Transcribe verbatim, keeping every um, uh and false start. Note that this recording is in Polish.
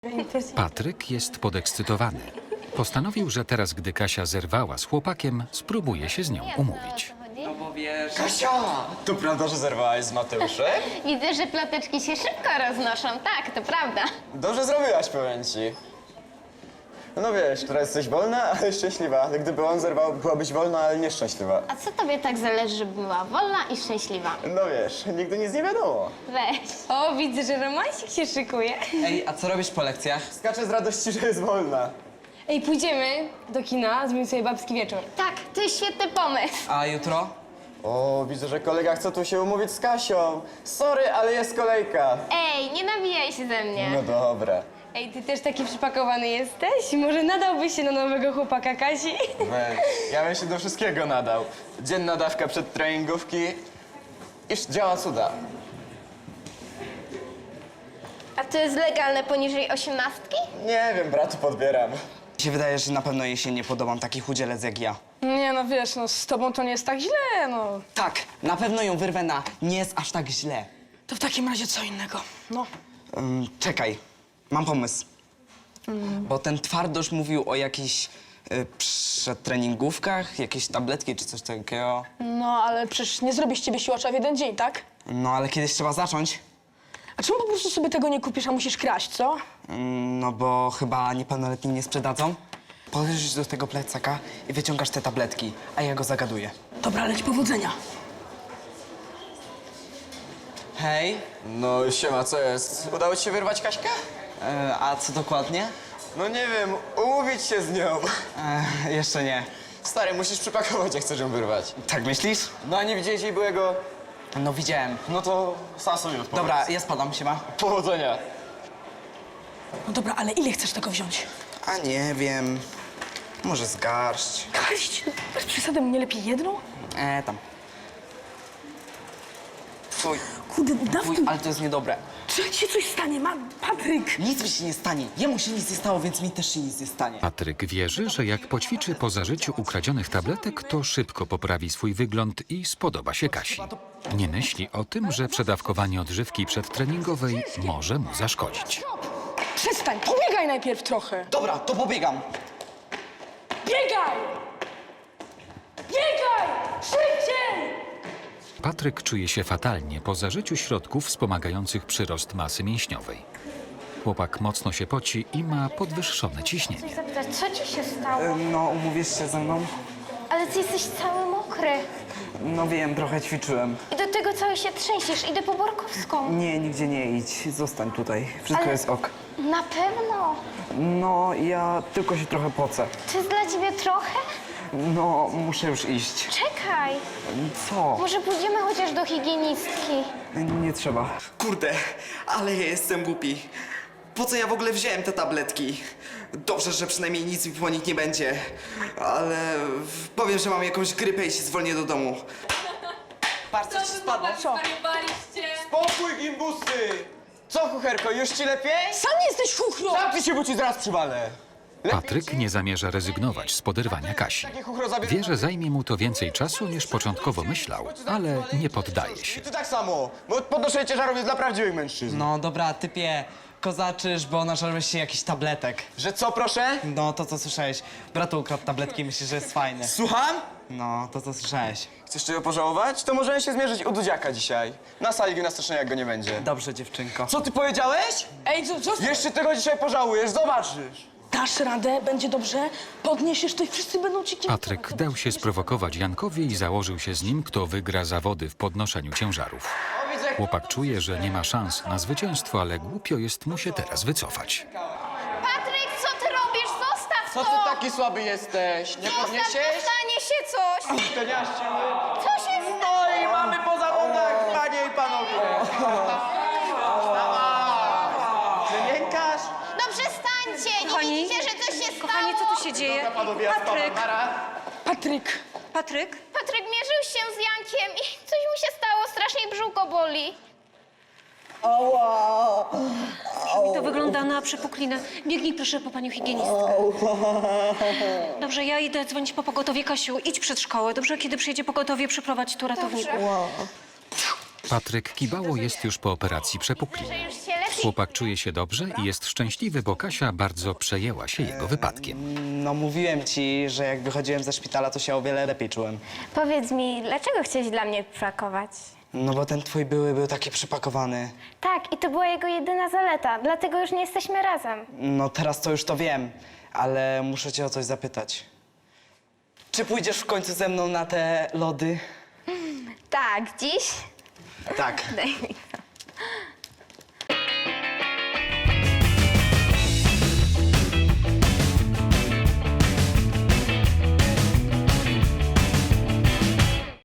Patryk jest podekscytowany. Postanowił, że teraz, gdy Kasia zerwała z chłopakiem, spróbuje się z nią umówić. No bo wiesz... Kasia! To prawda, że zerwałaś z Mateuszem? Widzę, że ploteczki się szybko roznoszą. Tak, to prawda. Dobrze zrobiłaś, powiem ci. No wiesz, teraz jesteś wolna, ale szczęśliwa. Gdyby on zerwał, byłabyś wolna, ale nieszczęśliwa. A co tobie tak zależy, żeby była wolna i szczęśliwa? No wiesz, nigdy nic nie wiadomo. Weź. O, widzę, że romansik się szykuje. Ej, a co robisz po lekcjach? Skaczę z radości, że jest wolna. Ej, pójdziemy do kina, zrobimy sobie babski wieczór. Tak, to jest świetny pomysł. A jutro? O, widzę, że kolega chce tu się umówić z Kasią. Sorry, ale jest kolejka. Ej, nie nawijaj się ze mnie. No dobra. Ej, ty też taki przypakowany jesteś? Może nadałbyś się na nowego chłopaka Kasi? Weź, ja bym się do wszystkiego nadał. Dzienna dawka przed treningówki. Iż działa cuda. A to jest legalne poniżej osiemnastki? Nie wiem, bratu podbieram. Mi się wydaje, że na pewno jej się nie podobam taki chudzielec jak ja. Nie no, wiesz, no z tobą to nie jest tak źle, no. Tak, na pewno ją wyrwę na nie jest aż tak źle. To w takim razie co innego, no. Um, czekaj, mam pomysł. Bo ten twardosz mówił o jakichś y, przedtreningówkach, jakieś tabletki czy coś takiego. No, ale przecież nie zrobisz z ciebie siłacza w jeden dzień, tak? No ale kiedyś trzeba zacząć. A czemu po prostu sobie tego nie kupisz, a musisz kraść, co? Mm, no bo chyba niepełnoletni nie sprzedadzą. Podejrzysz do tego plecaka i wyciągasz te tabletki, a ja go zagaduję. Dobra, leć powodzenia. Hej, No siema, co jest? Udało ci się wyrwać Kaśkę? e, a co dokładnie? No nie wiem, umówić się z nią. E, jeszcze nie. Stary, musisz przypakować, jak chcesz ją wyrwać. Tak myślisz? No a nie widziałeś jej byłego? No widziałem. No to sam sobie odpowiedz. Dobra, ja spadam, siema. Powodzenia. No dobra, ale ile chcesz tego wziąć? A nie wiem. Może z garść. Garść? Bez przesady, nie lepiej jedną? E, tam. Fuj, Kurde, dawaj, fuj, ale to jest niedobre. czy ci się coś stanie, ma Patryk? Nic mi się nie stanie. Jemu się nic nie stało, więc mi też się nic nie stanie. Patryk wierzy, że jak poćwiczy po zażyciu ukradzionych tabletek, to szybko poprawi swój wygląd i spodoba się Kasi. Nie myśli o tym, że przedawkowanie odżywki przedtreningowej może mu zaszkodzić. Przestań, pobiegaj najpierw trochę. Dobra, to pobiegam. Biegaj! Biegaj! Szybciej! Patryk czuje się fatalnie po zażyciu środków wspomagających przyrost masy mięśniowej. Chłopak mocno się poci i ma podwyższone ciśnienie. Zapytać, co ci się stało? No, umówisz się ze mną? Ale ty jesteś cały mokry. No wiem, trochę ćwiczyłem. I do tego cały się trzęsiesz. Idę po Borkowską. Nie, nigdzie nie idź. Zostań tutaj. Wszystko Ale- jest ok. Na pewno. No, ja tylko się trochę pocę. To jest dla ciebie trochę? No, muszę już iść. Czekaj. Co? Może pójdziemy chociaż do higienistki. Nie trzeba. Kurde, ale ja jestem głupi. Po co ja w ogóle wziąłem te tabletki? Dobrze, że przynajmniej nic mi po nich nie będzie. Ale powiem, że mam jakąś grypę i się zwolnię do domu. Patrz, co ci spadło. Spokój, gimbusy! Co, kucherko, już ci lepiej? Sam jesteś chuchro! Zamknij się, bo ci zaraz przywalę. Patryk nie zamierza rezygnować z poderwania Kasi. Takie chuchro zabierz... Wie, że zajmie mu to więcej czasu niż początkowo myślał, ale nie poddaje się. Ty tak samo, bo podnoszenie ciężarów jest dla prawdziwych mężczyzn. No dobra, typie, kozaczysz, bo nażarłeś się jakichś tabletek. Że co, proszę? No, to co słyszałeś. Bratu ukradł tabletki i myślisz, że jest fajny. Słucham? No, to co słyszałeś. Chcesz czego pożałować? To możemy się zmierzyć u Dudziaka dzisiaj. Na sali gimnastycznej, jak go nie będzie. Dobrze, dziewczynko. Co ty powiedziałeś? Ej, co, co? Jeszcze tego dzisiaj pożałujesz, zobaczysz. Dasz radę, będzie dobrze, podniesiesz to i wszyscy będą ci kibicować. Patryk dał się sprowokować Jankowi i założył się z nim, kto wygra zawody w podnoszeniu ciężarów. Chłopak czuje, że nie ma szans na zwycięstwo, ale głupio jest mu się teraz wycofać. Patryk, co ty robisz? Zostaw Co to! ty taki słaby jesteś? Nie Zostaw, podniesiesz? stanie się coś! To nie aż siły. Co się stało? No i mamy po zawodach, panie i panowie. Czy miękasz? No przestańcie! Nie Kochani? widzicie, że coś się stało? Kochani, co tu się dzieje? Panowie, ja Patryk, spadam. Nara. Patryk, Patryk, Patryk mierzył się z Jankiem i coś mu się stało, strasznie brzucho boli. mi to wygląda na przepuklinę. Biegnij proszę po panią higienistkę. Dobrze, ja idę dzwonić po pogotowie. Kasiu, idź przed szkołę. Dobrze, kiedy przyjedzie pogotowie, przyprowadź tu ratowników. Patryk Kibało jest już po operacji przepukliny. Że już się lepiej Chłopak czuje się dobrze i jest szczęśliwy, bo Kasia bardzo przejęła się jego wypadkiem. No mówiłem ci, że jak wychodziłem ze szpitala, to się o wiele lepiej czułem. Powiedz mi, dlaczego chciałeś dla mnie pakować? No bo ten twój były był taki przypakowany. Tak, i to była jego jedyna zaleta, dlatego już nie jesteśmy razem. No teraz to już to wiem, ale muszę cię o coś zapytać. Czy pójdziesz w końcu ze mną na te lody? Tak, dziś? Tak. Daj mi.